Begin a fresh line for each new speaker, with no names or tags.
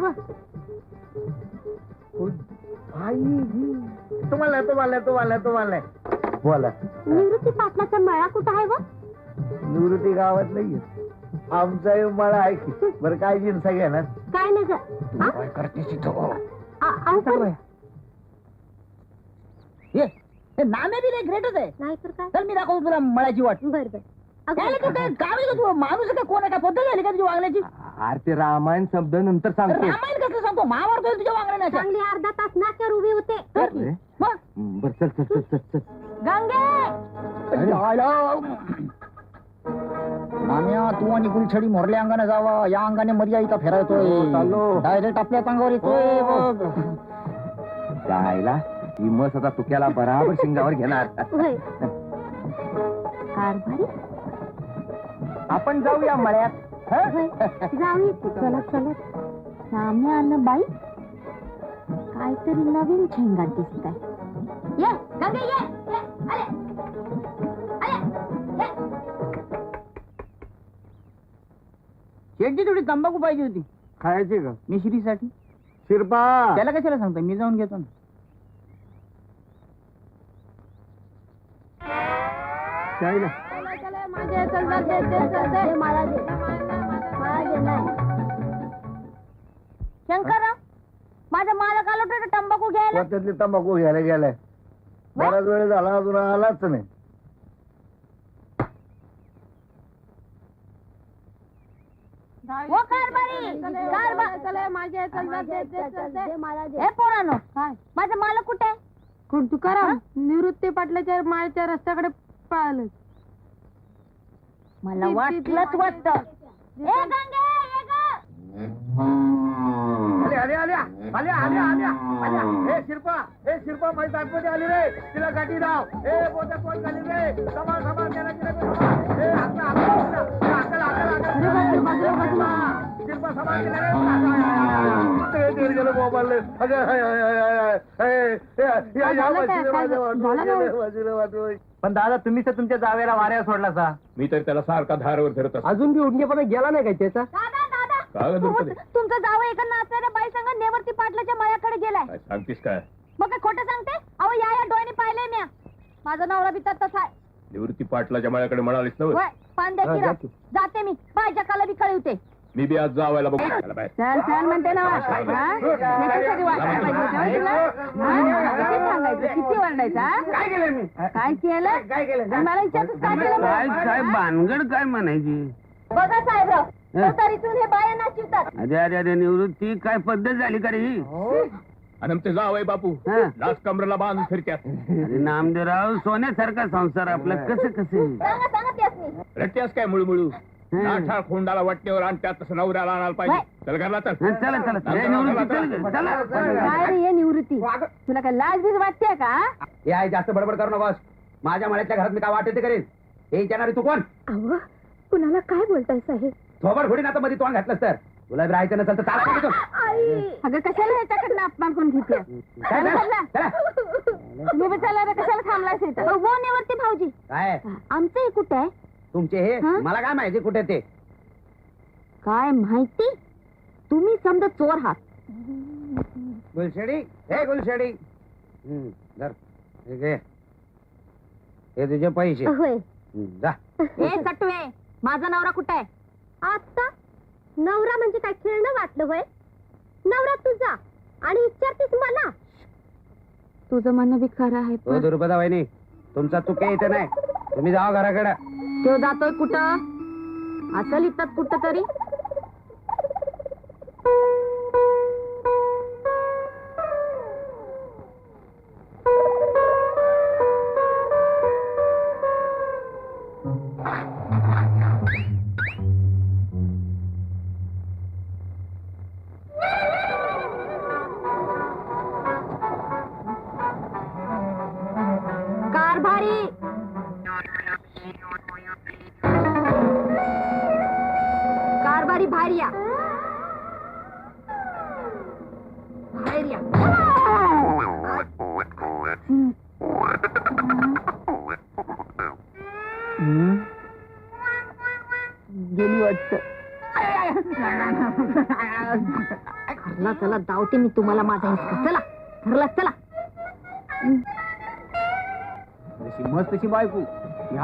हवं.
तुम्हाला बोला.
निवृत्ती पाटलाचा मळा कुठं आहे व?
निवृत्ती गावात नाहीये, आमचा मळा आहे की. बरं काय जिन्सा घेणार?
काय नाही ग.
काय करतेस इथं?
नामे बी ग्रेटच आहे.
नाही तर काय.
चल मी दाखवतो तुला मळाची वाट.
बर बर.
काय तू काय गावी तू माणूस काय कोण आहे का पद्धत झाली का तुझ्या वागण्याची?
आरती रामायण शब्द नंतर सांगतो.
रामायण कसं सांगतो महाभारत तुझ्या वागण्याच्या.
चांगली अर्धा तास नाक्यावर उभी होते.
मग
बर चल चल चल चल चल.
गंगे
नाम्या तू आणि गुलछडी मोरल्या अंगाने जावा, या अंगाने मर्या इथं फिरायतोय.
चाललो.
डायरेक्ट आपल्याच अंगावर येतोय बघ.
जायला ही मस आता तुक्याला बराबर शिंगावर घेणार.
होय. कारभारी
आपण जाऊया मळ्यात.
होय. जाऊया की. चलत चलत साम्या अन्न बाई काहीतरी नवीन झेंगाट दिसत आहे. ये गंगे ये. अरे
शेटची थोडी तंबाखू पाहिजे होती
खायची का?
मिश्रीसाठी.
शिरपा
त्याला कशाला सांगतो, मी जाऊन घेतो ना.
जायला
शंकरराव माझा मालक आला होता तंबाखू घ्यायला.
त्यातली तंबाखू घ्यायला गेलाय. बराच वेळ झाला अजून आलाच नाही.
हो कारभारी. हे पोरांनो माझा मालक कुठे आहे?
तुकाराम निवृत्ती पाटलाच्या माळच्या रस्त्याकडे पळालं.
मला वाटलंच वाटत. ए गंगे ये ग.
हे शिरपा माझी दाटमध्ये आली रे. तिला गाठी राव. हे बोजा कोण झाली रे. समा शिरपा समा गेलं मोबाईल. पण दादा तुम्ही तर तुमच्या जावेला वाऱ्या सोडला सा.
मी तर त्याला सारखा धारवर धरत असतो.
अजून बी उडणेपणा गेला नाही काय त्याचा?
दादा दादा
काय गं दुर्पदे?
तुमचा जावं एका नाचणाऱ्या बाई संग नेवरती पाटलाच्या मळ्याकडे गेलाय.
काय सांगतीस काय?
मग काय खोटं सांगते? अहो या डोळ्याने पाहिलंय म्या. माझा नवरा बी तसाच आहे.
निवृत्ती पाटलाच्या मळ्याकडे म्हणालीस ना
वय पान द्या किरा. जाते मी बायच्या काला बी कळवते.
मी बी आज जावायला बघू. चला बाहेर.
चल चल म्हणते ना. याच्यासाठी वाटायला पाहिजे होतं तुला. किती सांगायचं, किती वरडायचं?
काय केलं मी?
काय केलं?
काय केलं?
मला विचारतोस काय केलं?
काय भानगड काय म्हणायची?
बघा साहेबराव तरीतून हे बाया नाचिवतात.
अरे अरे अरे निवृत्ती काय पद्धत झाली का रे ही?
आणि आमचे जावय बापू
हा.
लाच कमरेला बांधून फिरत्यात.
अरे नामदेवराव सोन्यासारखा संसार आपला कसं कसं
सांगा सांगा त्यासनी.
रट्ट्यास काय मुळमुळू नाठाळ खोंडाला वाटण्यावर आणत्यात तसं नवऱ्याला आणायला पाहिजे. चल घरला चल.
चला चला ए, निवृत्ती चल चला.
काय रे हे निवृत्ती, तुला काय लाज बीज वाटते का?
हे आहे जास्त बडबड करू नकोस. माझ्या मळ्याच्या घरात मी काय वाटते ते करेन. हे विचारणारी तू कोण?
अहो कुणाला काय बोलताय साहेब?
थोबड फोडीन आता मध्ये तोंड घातलंस तर. तुला राहायचं नसेल तर चालत नाही तू.
अगं कशाला ह्याच्याकडनं अपमान करून घेते?
काय चला.
तुम्ही बिचारा कशाला थांबलायच इथं?
हो नेवरती भाऊजी
काय
आमचं हे कुठे आहे?
तुमचे हे
हा?
मला काय माहिती कुठे ते.
काय माहिती? तुम्ही समजा चोर आहात.
गुलशेडी हे गुलशेडी. धर. हे घे. हे तुझे पैसे.
होय.
जा.
हे सटवे माझा नवरा कुठे आहे? आता नवरा म्हणजे काय खेळणं वाटलं होय? नवरा तुझा आणि विचारतीस मला?
तुझं म्हणणं बी खरं आहे
हो दुर्पदा वहिनी तुमचा चुके इथे नाही. तुम्ही जावा घराकडे.
तो जातोय कुठं? असेल इथं कुठं तरी.
कारभारी कारभारी बाहेर या. बाहेर या.
गेली वाटत.
घरला चला दावते मी तुम्हाला माझा हिसका. चला घरला चला.
मस्त बायको